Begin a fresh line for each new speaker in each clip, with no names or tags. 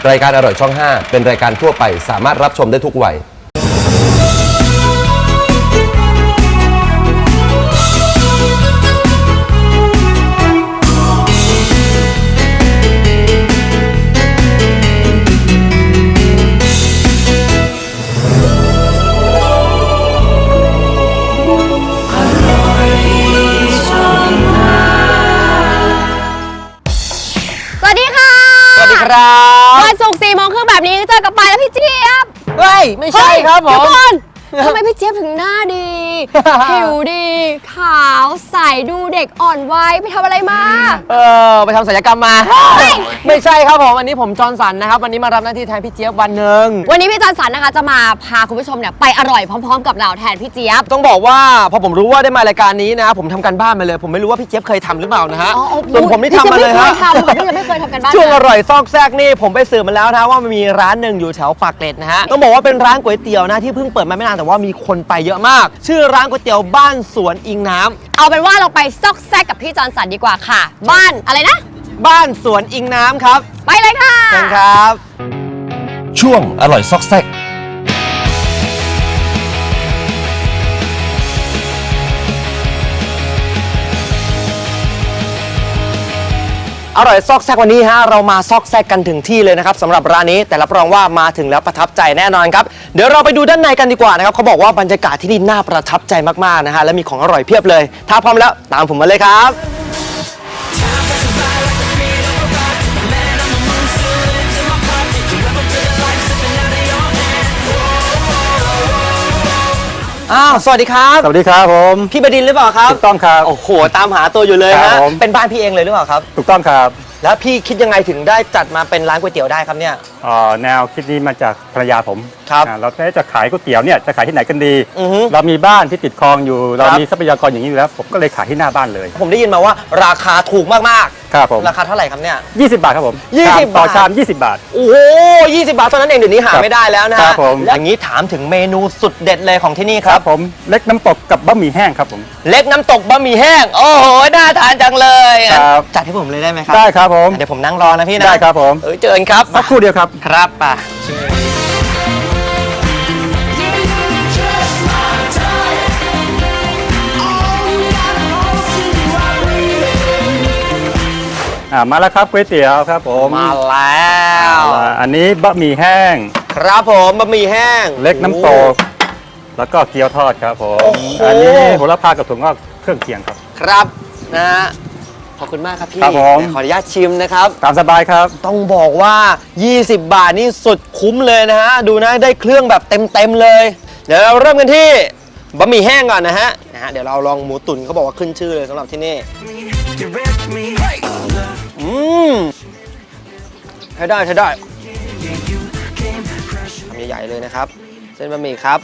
รายการอร่อยช่อง 5 เป็นรายการทั่วไปสามารถรับชมได้ทุกวัย
วันศุกร์4 โมงครึ่งแบบนี้เจอกับปายและพี่เจี๊ยบ
เฮ้ยไม่ใช่ครับผม
ทำไมพี่เจี๊ยบถึงหน้าดี ผิวดี ขาวใสดูเด็กอ่อนวัยไปทำอะไรมา
ไปทำศัลยกรรมมาไม่ใช่ครับผมวันนี้ผมจอห์นสันนะครับวันนี้มารับหน้าที่แทนพี่เจี๊ยบวันหนึ่ง
วันนี้พี่จอห์นสันนะคะจะมาพาคุณผู้ชมเนี่ยไปอร่อยพร้อมๆกับเราแทนพี่เจี๊ยบ
ต้องบอกว่าพอผมรู้ว่าได้มารายการนี้นะผมทำการบ้านมาเลยผมไม่รู้ว่าพี่เจี๊ยบเคยทำหรือเปล่านะฮะส่วนผมนี่ทำมาเลยฮะ
พี่ยังไม่เคยทำกันบ้าน
ช่วงอร่อยซอกแซกนี่ผมไปสืบมาแล้วนะว่ามันมีร้านหนึ่งอยู่แถวปากเกร็ดนะฮะต้องบอกว่าเป็นร้านก๋วยเตี๋ยวนะที่เพิ่งเปิดมาไม่นานแต่ว่ามีคนไปเยอะมากชื่อร้านก๋วยเตี๋ยวบ้านสวนอิงน้ำ
เอาเป็นว่าเราไปซอกแซกกับพี่จอห์นสันดีกว่าค่ะบ้านอะไรนะ
บ้านสวนอิงน้ำครับ
ไปเลยค่ะ
เชิญครับ
ช่วงอร่อยซอกแซก
อร่อยซอกแซกวันนี้ฮะเรามาซอกแซกกันถึงที่เลยนะครับสำหรับร้านนี้แต่รับรองว่ามาถึงแล้วประทับใจแน่นอนครับเดี๋ยวเราไปดูด้านในกันดีกว่านะครับเขาบอกว่าบรรยากาศที่นี่น่าประทับใจมากๆนะฮะและมีของอร่อยเพียบเลยถ้าพร้อมแล้วตามผมมาเลยครับสวัสดีครับ
สวัสดีครับผม
พี่บดินทร์หรือเปล่าครับ
ถูกต้องครับ
โอ้โหตามหาตัวอยู่เลยฮะเป็นบ้านพี่เองเลยหรือเปล่าครับ
ถูกต้องครับ
แล้วพี่คิดยังไงถึงได้จัดมาเป็นร้านก๋วยเตี๋ยวได้ครับเนี่ย
แนวคิดนี้มาจากภรรยาผม
ครับ
เราจะขายก๋วยเตี๋ยวเนี่ยจะขายที่ไหนกันดีเรามีบ้านที่ติดคลองอยู่เรามีทรัพยากรอย่างนี้อยู่แล้วผมก็เลยขายที่หน้าบ้านเลย
ผมได้ยินมาว่าราคาถูกมากๆ
ครับผม
ราคาเท่าไหร่ครับเนี่ย
20 บาทครับผม
20
ต่อ
บาท
ชาม20 บาท
โอ้โห20 บาทเท่านั้นเองเดี๋ยวนี้หาไม่ได้แล้วนะฮะอย่างนี้ถามถึงเมนูสุดเด็ดเลยของที่นี่ครับ
ผมเล็กน้ำตกกับบะหมี่แห้งครับผม
เล็กน้ำตกบะหมี่แห้งโอ้โหน่าทานจังเลยจัดให้ผมเลยได้ไหมครับ
ได้ครับผม
เดี๋ยวผมนั่งรอนะพี่นะ
ได้ครับผม
เจอกันครับ
สักครู่เดียวครับ
ครับป่ะ
มาแล้วครับก๋วยเตี๋ยวครับผม
มาแล้ว
อันนี้บะหมี่แห้ง
ครับผมบะหมี่แห้ง
เล็กน้ำตกแล้วก็เกี๊ยวทอดครับผมอันนี้โหระพากับถั่วงอกเครื่องเคียงครับ
ครับนะฮะขอบคุณมากครับพี่
ขอ
อนุญาตชิมนะครับ
ตามสบายครับ
ต้องบอกว่า20 บาทนี่สุดคุ้มเลยนะฮะดูนะได้เครื่องแบบเต็มเลยเดี๋ยวเราเริ่มกันที่บะหมี่แห้งก่อนนะฮะเดี๋ยวเราลองหมูตุ๋นเขาบอกว่าขึ้นชื่อเลยสำหรับที่นี่ใช้ได้ทำใหญ่ๆเลยนะครับเส้นบะหมี่ครับ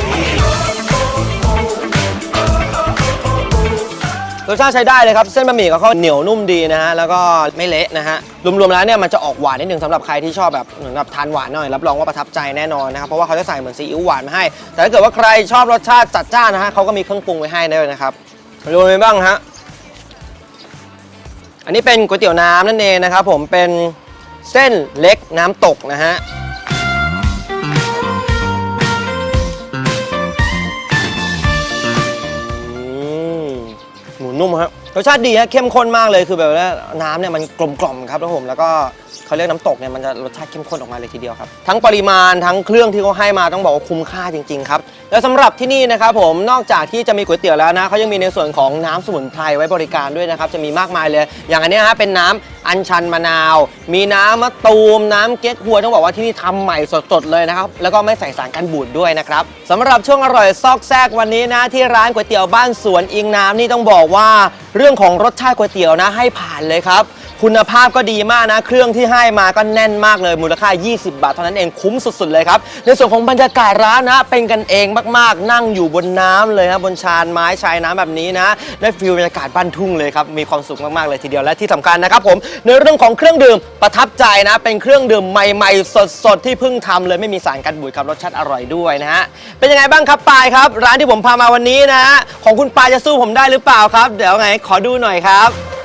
รสชาติใช้ได้เลยครับเส้นบะหมี่เขาเหนียวนุ่มดีนะฮะแล้วก็ไม่เละนะฮะรวมๆแล้วเนี่ยมันจะออกหวานนิดนึงสำหรับใครที่ชอบแบบเหมือนแบบทานหวานหน่อยรับรองว่าประทับใจแน่นอนนะครับเพราะว่าเขาจะใส่เหมือนซีอิ๊วหวานมาให้แต่ถ้าเกิดว่าใครชอบรสชาติจัดจ้านนะฮะเขาก็มีเครื่องปรุงไว้ให้ด้วยนะครับดูไปบ้างฮะอันนี้เป็นก๋วยเตี๋ยวน้ำนั่นเองนะครับผมเป็นเส้นเล็กน้ำตกนะฮะหมูนุ่มครับรสชาติดีฮะเข้มข้นมากเลยคือแบบว่าน้ำเนี่ยมันกลมกล่อมครับแล้วผมแล้วก็เขาเรียกน้ำตกเนี่ยมันจะรสชาติเข้มข้นออกมาเลยทีเดียวครับทั้งปริมาณทั้งเครื่องที่เขาให้มาต้องบอกว่าคุ้มค่าจริงๆครับแล้วสำหรับที่นี่นะครับผมนอกจากที่จะมีก๋วยเตี๋ยวแล้วนะเขายังมีในส่วนของน้ำสมุนไพรไว้บริการด้วยนะครับจะมีมากมายเลยอย่างอันนี้ฮะเป็นน้ำอัญชันมะนาวมีน้ำมะตูมน้ำเก๊กฮวยต้องบอกว่าที่นี่ทำใหม่สดๆเลยนะครับแล้วก็ไม่ใส่สารกันบูดด้วยนะครับสำหรับช่วงอร่อยซอกแซกวันนี้นะที่ร้านก๋วยเตี๋ยวบ้านสวนอิงน้ำนี่ต้องบอกว่าเรื่องของรสชาติก๋วยเตี๋ยวนะให้ผ่านเลยครับคุณภาพก็ดีมากนะเครื่องที่ให้มาก็แน่นมากเลยมูลค่า20 บาทเท่านั้นเองคุ้มสุดๆเลยครับในส่วนของบรรยากาศร้านนะเป็นกันเองมากๆนั่งอยู่บนน้ำเลยครับบนชานไม้ชายน้ำแบบนี้นะได้ฟีลบรรยากาศบ้านทุ่งเลยครับมีความสุขมากๆเลยทีเดียวและที่สำคัญนะครับผมในเรื่องของเครื่องดื่มประทับใจนะเป็นเครื่องดื่มใหม่ๆสดๆที่เพิ่งทำเลยไม่มีสารกันบูดครับรสชาติอร่อยด้วยนะฮะเป็นยังไงบ้างครับปายครับร้านที่ผมพามาวันนี้นะของคุณปายจะสู้ผมได้หรือเปล่าครับเดี๋ยวไงขอดูหน่อยครับ